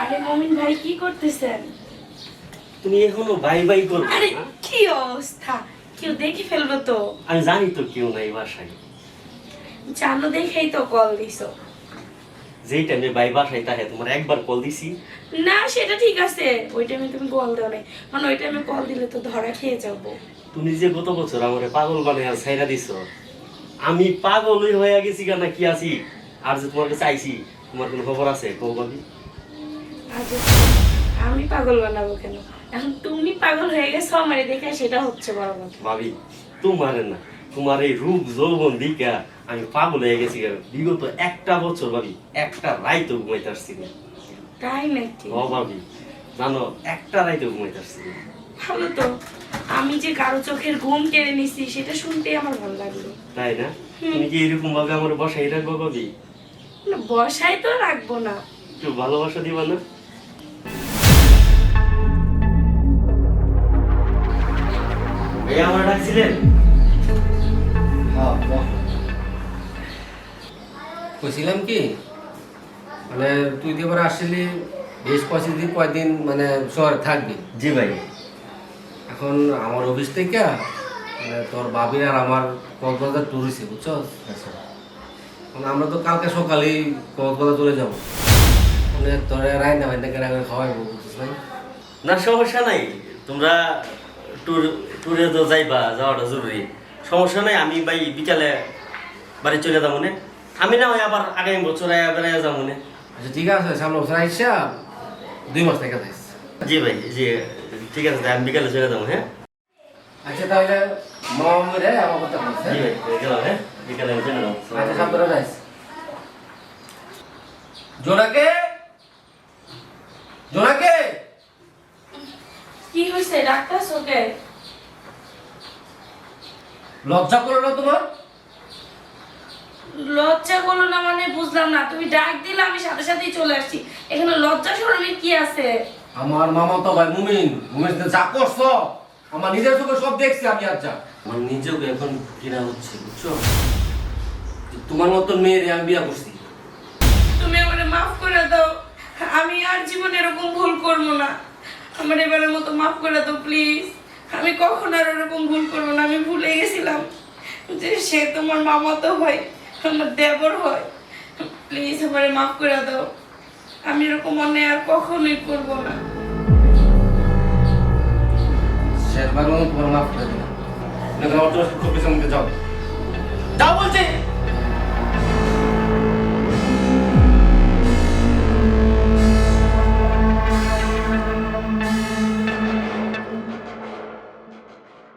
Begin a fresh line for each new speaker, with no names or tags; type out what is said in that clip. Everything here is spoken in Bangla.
আরে মমিন ভাই কি করতেছেন?
তুমি এখনো বাই বাই করবে?
আরে কি অবস্থা, কেউ দেখে ফেলবো তো।
আমি জানি তো কেউ নাই বাসায়।
জানো দেখেই তো কল দিছো।
যেই টাইমে বাই বাসায় তাহে তোমার একবার কল দিছি।
না সেটা ঠিক আছে, ওই টাইমে তুমি কল দাও নাই, মানে ওই টাইমে কল দিলে তো ধরা খেয়ে যাবো।
তুমি যে গত বছর আমারে পাগল বানায় আর ছাইরা দিছো, আমি পাগলই হয়ে গেছি কেন কি আছি। আর যে তোমার কাছে আইছি, তোমার কোনো খবর আছে কও ভাবি?
আচ্ছা, আমি পাগল বানাবো কেন? এখন তুমি পাগল হয়ে গেছো আমারে দেখে, সেটা হচ্ছে বড় কথা।
ভাবি তোমারে না, তোমার এই রূপ যৌবন দিকা আমি পাগল হয়ে গেছি কেন। বিগত একটা বছর ভাবি একটা রাইতও ঘুমাইতে পারছি না।
তাই নাকি?
ও ভাবি জানো, একটা রাইতও ঘুমাইতে পারছি না।
ভালো তো, আমি যে কারো চোখের ঘুম কেড়ে নিছি সেটা শুনতেই আমার ভালো লাগলো।
তাই না? তুমি কি এরকম ভাবে আমার বসাই রাখবো ভাবি?
না, বসায় তো রাখবো না।
একটু ভালোবাসা দিবা না? ভাইয়া আমার ডাকছিলেন?
কইছিলাম কি মানে তুই তো এবার আসলি বেশ কয়দিন মানে শহরে থাকবি।
জি ভাই।
এখন আমার অফিস থেকে মানে তোর বাবির আর আমার কক্সবাজার ট্যুর হয়েছে বুঝছো।
আচ্ছা।
মানে আমরা তো কালকে সকালেই কক্সবাজার চলে যাবো, মানে তোর রাইনা ভাইনা কেনা করে খাওয়াইবো বুঝছিস ভাই।
না সমস্যা নাই, তোমরা ট্যুরে তো যাওয়াটা জরুরি। সমস্যা নাই, আমি ভাই বিকালে বাড়ি চলে যাবো না। আমি না হয় আবার আগামী বছর বেড়াইয়া যাবো না।
আচ্ছা ঠিক আছে, সামনে বছর আইসা 2 মাস থেকে যাইস।
জি ভাই, জি ঠিক আছে, আমি বিকালে চলে যাবো। হ্যাঁ
আচ্ছা তাহলে মামারে আমার কথা বলছে।
জি ভাই, গেলাম। হ্যাঁ বিকালে আমি চলে যাবো।
আচ্ছা সামনে যাইস। জোনাকে জোনাকে
কি হয়েছে ডাক্তার ওকে?
লজ্জা করো না তোমার?
লজ্জা করলো না মানে বুঝলাম না, তুমি ডাক দিলে আমি সাথে সাথেই চলে আসছি। এখানে লজ্জা শরমের কি আছে?
আমার মামা তো ভাই মুমিন যা করছো আমার নিজের চোখে সব দেখছি আমি। আচ্ছা আমার নিজেও এখন ঘৃণা হচ্ছে বুঝছো, যে তোমার মতো মেয়েরে আমি বিয়া করছি।
তুমি আমারে মাফ করে দাও, আমি আর জীবনে এরকম ভুল করবো না। আমার এবারের মতো মাফ করে দাও প্লিজ। আমি কখন আর এরকম ভুল করবো না। আমি ভুলে গেছিলাম যে সে তোমার মামা তো হয়, আমার দেবর হয়। প্লিজ আমারে মাফ করে দাও, আমি এরকম অন্যায় আর কখনোই করবো না।
শেষবার তোমার মাফ করে দিলাম। খুব বেশি আমাকে যাও যাও বলছে।